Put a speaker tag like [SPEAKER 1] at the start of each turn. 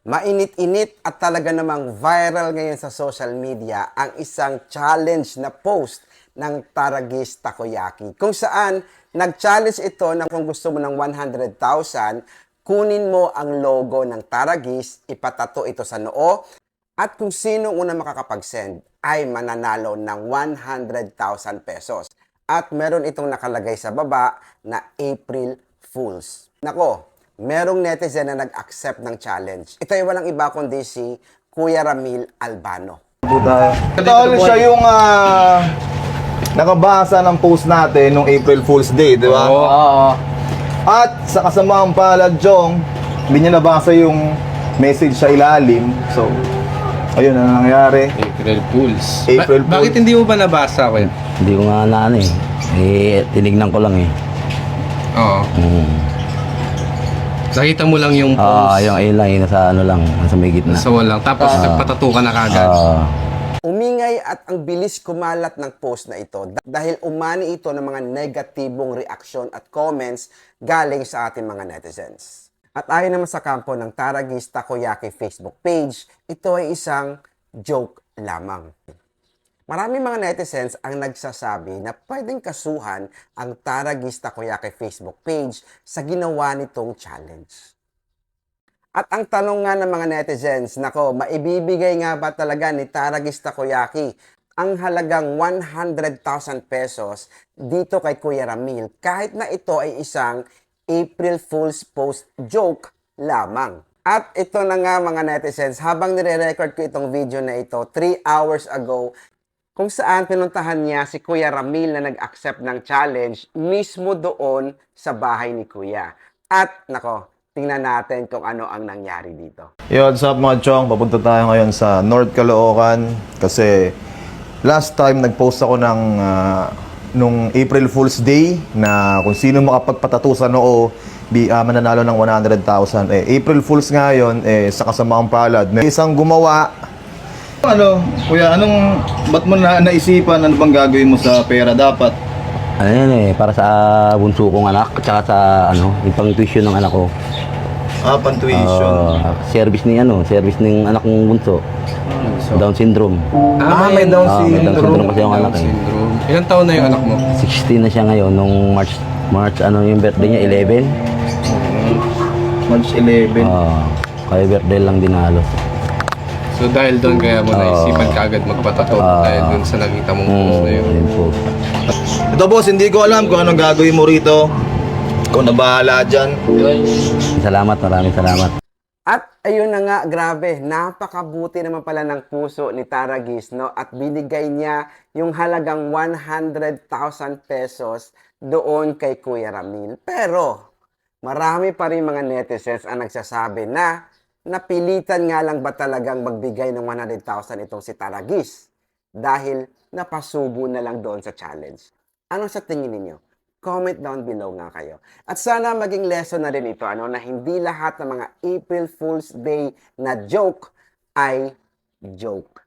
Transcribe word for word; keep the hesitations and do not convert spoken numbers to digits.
[SPEAKER 1] Mainit-init at talaga namang viral ngayon sa social media ang isang challenge na post ng Taragis Takoyaki. Kung saan, nag-challenge ito na kung gusto mo ng one hundred thousand, kunin mo ang logo ng Taragis, ipatato ito sa noo, at kung sino una makakapag-send ay mananalo ng one hundred thousand pesos. At meron itong nakalagay sa baba na April Fools. Nako, merong netizen na nag-accept ng challenge. Ito ay walang iba kundi si Kuya Ramil Albano.
[SPEAKER 2] Ito ulit siya yung ah, nakabasa ng post natin nung April Fool's Day, di ba?
[SPEAKER 3] Oo.
[SPEAKER 2] At sa kasamaang palad, Jong, hindi niya nabasa yung message sa ilalim. So, ayun ang nangyari.
[SPEAKER 3] April Fools.
[SPEAKER 2] April
[SPEAKER 3] Ba- bakit
[SPEAKER 2] Fools.
[SPEAKER 3] hindi mo ba nabasa ko yun?
[SPEAKER 4] Hindi ko nga na ano eh. Eh, tinignan ko lang eh.
[SPEAKER 3] Oo.
[SPEAKER 4] Mm.
[SPEAKER 3] Nakita mo lang yung
[SPEAKER 4] Ah,
[SPEAKER 3] post.
[SPEAKER 4] yung ayun lang, yung nasa ano lang, nasa may gitna.
[SPEAKER 3] Sa walang. Tapos nagpatato ka na kagad.
[SPEAKER 4] Ah,
[SPEAKER 1] Umingay at ang bilis kumalat ng post na ito dah- dahil umani ito ng mga negatibong reaksyon at comments galing sa ating mga netizens. At ayon naman sa kampo ng Taragis Takoyaki Facebook page, ito ay isang joke lamang. Maraming mga netizens ang nagsasabi na pwedeng kasuhan ang Taragis Takoyaki Facebook page sa ginawa nitong challenge. At ang tanong nga ng mga netizens, nako, maibibigay nga ba talaga ni Taragis Takoyaki ang halagang one hundred thousand pesos dito kay Kuya Ramil kahit na ito ay isang April Fool's post joke lamang? At ito na nga mga netizens, habang nire-record ko itong video na ito three hours ago, kung saan pinuntahan niya si Kuya Ramil na nag-accept ng challenge mismo doon sa bahay ni Kuya. At nako, tingnan natin kung ano ang nangyari dito.
[SPEAKER 2] Yo, what's up mga Chong? Papunta tayo ngayon sa North Caloocan kasi last time nag-post ako ng ah, nung April Fool's Day na kung sino makapagpatato sa noo bi, ah, mananalo ng one hundred thousand. Eh, April Fool's ngayon, eh, sa kasamaang palad, may isang gumawa.
[SPEAKER 5] Ano, kuya, anong, ba't mo na naisipan, ano bang gagawin mo sa pera dapat?
[SPEAKER 4] ano yan eh, para sa bunso kong anak, at saka sa ano, yung pang tuition ng anak ko.
[SPEAKER 2] Ah, pan-tuition.
[SPEAKER 4] Ah, service ni ano, service ng anak kong bunso. Down syndrome.
[SPEAKER 2] Ah, may
[SPEAKER 3] yan.
[SPEAKER 2] Down
[SPEAKER 4] Ah, may Down syndrome kasi yung
[SPEAKER 3] Down
[SPEAKER 4] anak eh.
[SPEAKER 3] syndrome. Ilang taon na yung anak mo?
[SPEAKER 4] sixteen na siya ngayon, nung March, March ano yung birthday niya, eleven.
[SPEAKER 5] March eleven.
[SPEAKER 4] Ah, kaya birthday lang din halos.
[SPEAKER 3] So dahil doon kaya mo naisipan kaagad magpatato
[SPEAKER 4] Ah.
[SPEAKER 3] dahil doon sa nakita mong post na yun.
[SPEAKER 4] Mm, yun po.
[SPEAKER 2] Ito boss, hindi ko alam kung anong gagawin mo rito. Ikaw na bahala dyan.
[SPEAKER 4] Salamat, maraming salamat.
[SPEAKER 1] At ayun na nga, grabe, napakabuti naman pala ng puso ni Taragis, no? At binigay niya yung halagang one hundred thousand pesos doon kay Kuya Ramil. Pero, marami pa rin mga netizens ang nagsasabi na napilitan nga lang ba talagang magbigay ng one hundred thousand itong si Taragis dahil napasubo na lang doon sa challenge. Ano sa tingin ninyo? Comment down below nga kayo. At sana maging lesson na rin ito, ano, na hindi lahat ng mga April Fool's Day na joke ay joke.